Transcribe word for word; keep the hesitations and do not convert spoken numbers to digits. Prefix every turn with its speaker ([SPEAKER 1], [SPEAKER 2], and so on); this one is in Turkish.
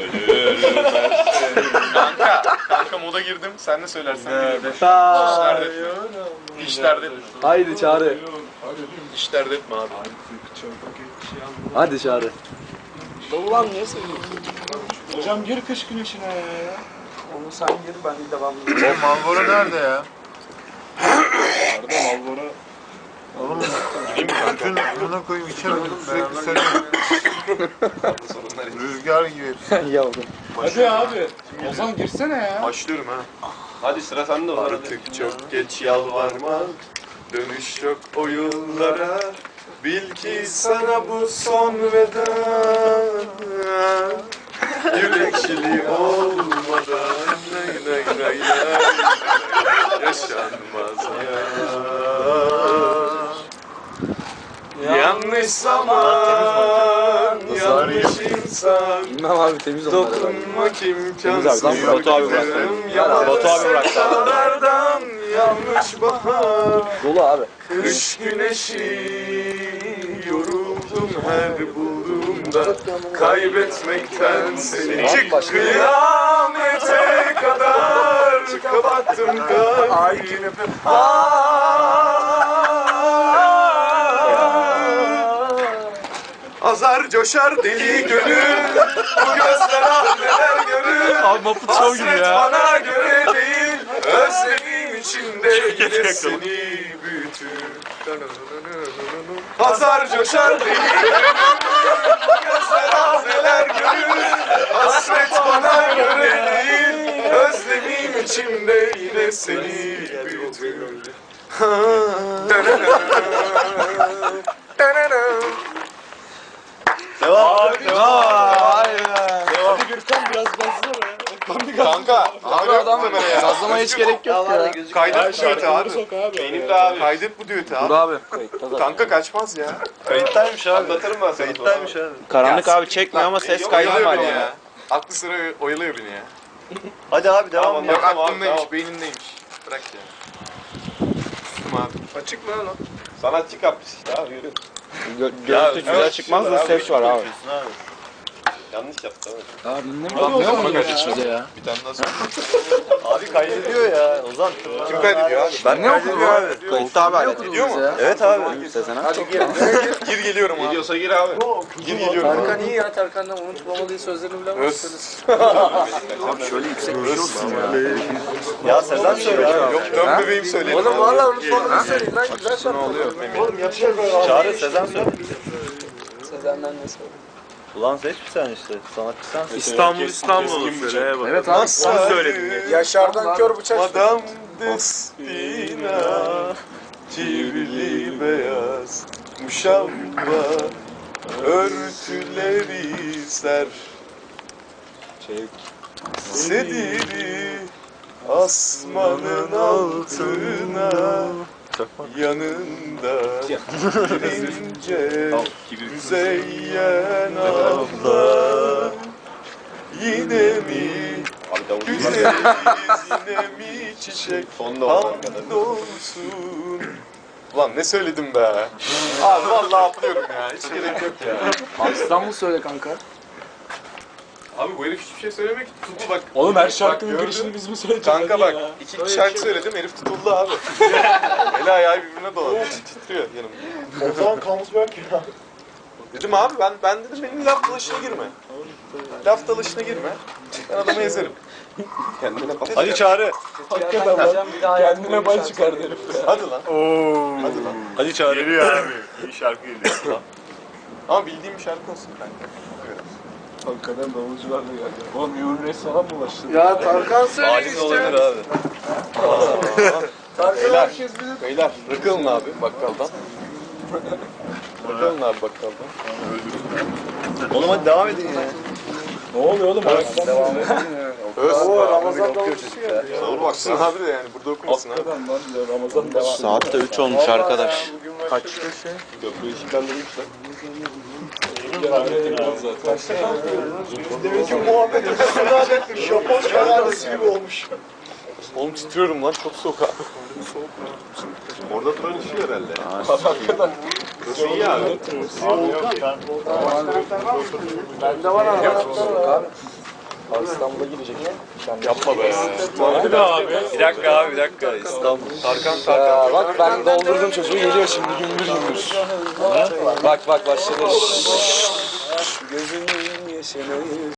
[SPEAKER 1] Kanka, kanka moda girdim. Sen ne söylersen. İşlerde. İşlerde.
[SPEAKER 2] Haydi Çağrı.
[SPEAKER 1] İşlerde etme abi.
[SPEAKER 2] Hadi Çağrı.
[SPEAKER 3] Ulan niye söylüyorsun? Hocam gir kış güneşine ya. Onu sen gir, ben de devamlı.
[SPEAKER 4] O Malboro nerede ya?
[SPEAKER 3] Nerede Malboro?
[SPEAKER 4] Oğlum bütün buna koyayım içemedim sürekli söylüyorum. Rüzgar gibi.
[SPEAKER 2] Yavrum.
[SPEAKER 3] Hadi abi. Ozan girsene ya.
[SPEAKER 1] Başlıyorum ha.
[SPEAKER 5] Hadi sıra sende o.
[SPEAKER 1] Artık çok geç yalvarma. Dönüş yok o yıllara. Bil ki sana bu son veda. Yürekçili olmadan nay nay nay nay yaşanmaz ya. Yanlış zaman, yanlış insan.
[SPEAKER 2] Bilmem abi temiz onlar herhalde.
[SPEAKER 1] Dokunmak imkansız.
[SPEAKER 2] Temiz abi,
[SPEAKER 5] Batu abi bırak. Batu abi bırak.
[SPEAKER 1] Dağlardan yanlış bahar.
[SPEAKER 2] Dolu abi.
[SPEAKER 1] Kış güneşi yoruldum her bulduğumda. Kaybetmekten seni kıyamete kadar kapattım kalbimi. Azar coşar deli gönül. Bu gözler ah neler görür.
[SPEAKER 2] Abi Muppet Show gibi
[SPEAKER 1] Hasret
[SPEAKER 2] ya.
[SPEAKER 1] bana göre değil. Özlemim içinde yine seni büyütür. Azar coşar deli gönül. Bu gözler ah neler görür. Hasret bana göre değil. Özlemim içinde yine seni büyütür.
[SPEAKER 5] Devam.
[SPEAKER 3] Hadi Gürkan biraz bassana.
[SPEAKER 1] Kanka, abi adam ya.
[SPEAKER 2] Sazlamaya hiç gerek yok ya.
[SPEAKER 1] Kaydet bu düeti abi.
[SPEAKER 3] Sok abi.
[SPEAKER 5] Benim de abi.
[SPEAKER 1] Kaydet bu düeti
[SPEAKER 2] Dur
[SPEAKER 1] abi.
[SPEAKER 2] abi.
[SPEAKER 1] Kanka kaçmaz ya.
[SPEAKER 5] Kayıttaymış abi. Anlatırım ben sana. Kayıttaymış abi.
[SPEAKER 6] Karanlık abi çekmiyor ama ses kaydı
[SPEAKER 1] Oyalıyor
[SPEAKER 6] var
[SPEAKER 1] beni
[SPEAKER 6] ya.
[SPEAKER 1] ya. Aklı sıra oyalıyor beni ya.
[SPEAKER 5] Hadi abi devam.
[SPEAKER 1] Tamam, bak
[SPEAKER 5] Tamam abi,
[SPEAKER 1] aklındaymış,
[SPEAKER 5] tamam.
[SPEAKER 1] beynindeymiş. Bırak ya. Sustum abi. Açık mı lan?
[SPEAKER 5] Sanatçı kapris işte abi yürü.
[SPEAKER 6] Gö görüntü güzel çıkmaz da ses var abi.
[SPEAKER 5] Yanlış yaptı abi.
[SPEAKER 2] Abi dinlemiyor. Ne oldu bize ya?
[SPEAKER 1] Bir tane daha söyle.
[SPEAKER 5] Abi kaydediyor ya Ozan.
[SPEAKER 1] Kim kaydediyor abi?
[SPEAKER 5] Ben ne okudum abi?
[SPEAKER 6] Kayıtta abi alet.
[SPEAKER 1] Ediyor mu?
[SPEAKER 5] Evet abi.
[SPEAKER 6] Sezen abi.
[SPEAKER 1] Gir geliyorum abi.
[SPEAKER 5] Gidiyorsa gir abi.
[SPEAKER 1] Gir geliyorum
[SPEAKER 3] Tarkan
[SPEAKER 1] abi.
[SPEAKER 3] iyi ya, Tarkan'dan unutmamalı sözlerini bile
[SPEAKER 1] Öz.
[SPEAKER 2] Abi şöyle yüksek bir şey olsun ya.
[SPEAKER 5] Ya Sezen söyle abi.
[SPEAKER 1] Yok dön bebeğim söyledim.
[SPEAKER 3] Oğlum valla unutmamalı söyleyin lan, güzel şarkı.
[SPEAKER 5] Oğlum yapacak böyle. Çağrı Sezen söyle.
[SPEAKER 3] Sezen'den ne söyle?
[SPEAKER 5] Ulan seç bir sen işte. Sanatçı sensin.
[SPEAKER 6] İstanbul İstanbul söyle bak.
[SPEAKER 2] Evet abi.
[SPEAKER 1] Sen söyledin.
[SPEAKER 3] Yaşar'dan kör bıçak.
[SPEAKER 1] Madame Destina, çivrili beyaz muşamba, örtüleri ser. Çek sediri asmanın altına, yanında girince müzeyyen abla. Yine mi güzeliz, yine mi çiçek hamdolsun. Ulan ne söyledim be? Abi vallahi atlıyorum ya, hiç gerek yok ya.
[SPEAKER 2] Abi İstanbul söyle kanka.
[SPEAKER 1] Abi bu herif hiçbir şey söylemek ki tuttu bak.
[SPEAKER 3] Oğlum her
[SPEAKER 1] Bak,
[SPEAKER 3] şarkının
[SPEAKER 1] gördün.
[SPEAKER 3] girişini biz mi söyleyeceğiz?
[SPEAKER 1] Kanka
[SPEAKER 3] Hadi
[SPEAKER 1] bak,
[SPEAKER 3] ya.
[SPEAKER 1] iki iki şarkı söyledim, herif tutuldu abi. Eli ayağı birbirine dolanıyor, titriyor yanımda.
[SPEAKER 3] O zaman comes back ya.
[SPEAKER 1] Dedim abi ben ben dedim benim laf dalaşına girme. Laf dalaşına girme. Ben adamı ezerim. Kendine bak.
[SPEAKER 5] Hadi Çağrı.
[SPEAKER 3] Hakikaten lan. Kendine bay çıkardı herif ya.
[SPEAKER 1] Hadi lan.
[SPEAKER 5] Oo.
[SPEAKER 1] Hadi lan.
[SPEAKER 5] Hadi Çağrı. Geliyor abi. İyi şarkı geliyor.
[SPEAKER 1] Ama bildiğim bir şarkı olsun kanka.
[SPEAKER 3] Hakikaten davulcular da geldi. Oğlum Yuri Reis falan mı başladı?
[SPEAKER 2] Ya Tarkan söyle
[SPEAKER 5] Alim olabilir abi.
[SPEAKER 3] Tarkan herkes bilir.
[SPEAKER 1] Beyler bırakalım abi bakkaldan. Bırakalım abi bakkaldan.
[SPEAKER 5] Oğlum hadi devam edin ya.
[SPEAKER 3] Ne oluyor oğlum? Devam
[SPEAKER 1] Öz.
[SPEAKER 3] Ramazan davulcusu geldi.
[SPEAKER 1] Doğru baksın abi de yani burada okumasın abi.
[SPEAKER 3] Hakikaten lan ya, Ramazan devam.
[SPEAKER 6] Saat de üç olmuş arkadaş.
[SPEAKER 1] Kaç şey? Köprüyü ışıklandırmışlar.
[SPEAKER 3] Demek ki muhabbet etsin. Japon şarkısı gibi olmuş.
[SPEAKER 1] Oğlum titriyorum lan çok soğuk abi. Orada duran işi herhalde.
[SPEAKER 3] Hakikaten.
[SPEAKER 1] Burası iyi abi.
[SPEAKER 3] Bende var anahtarlar abi. Abi İstanbul'a girecek.
[SPEAKER 5] Yapma be.
[SPEAKER 1] Hadi be abi.
[SPEAKER 5] Bir dakika abi bir dakika. İstanbul.
[SPEAKER 1] Tarkan
[SPEAKER 3] Ya
[SPEAKER 1] Tarkan.
[SPEAKER 3] bak ben doldurdum çocuğu geliyor şimdi gümbür gümbür. Bak bak başladı. Gözümün yaşını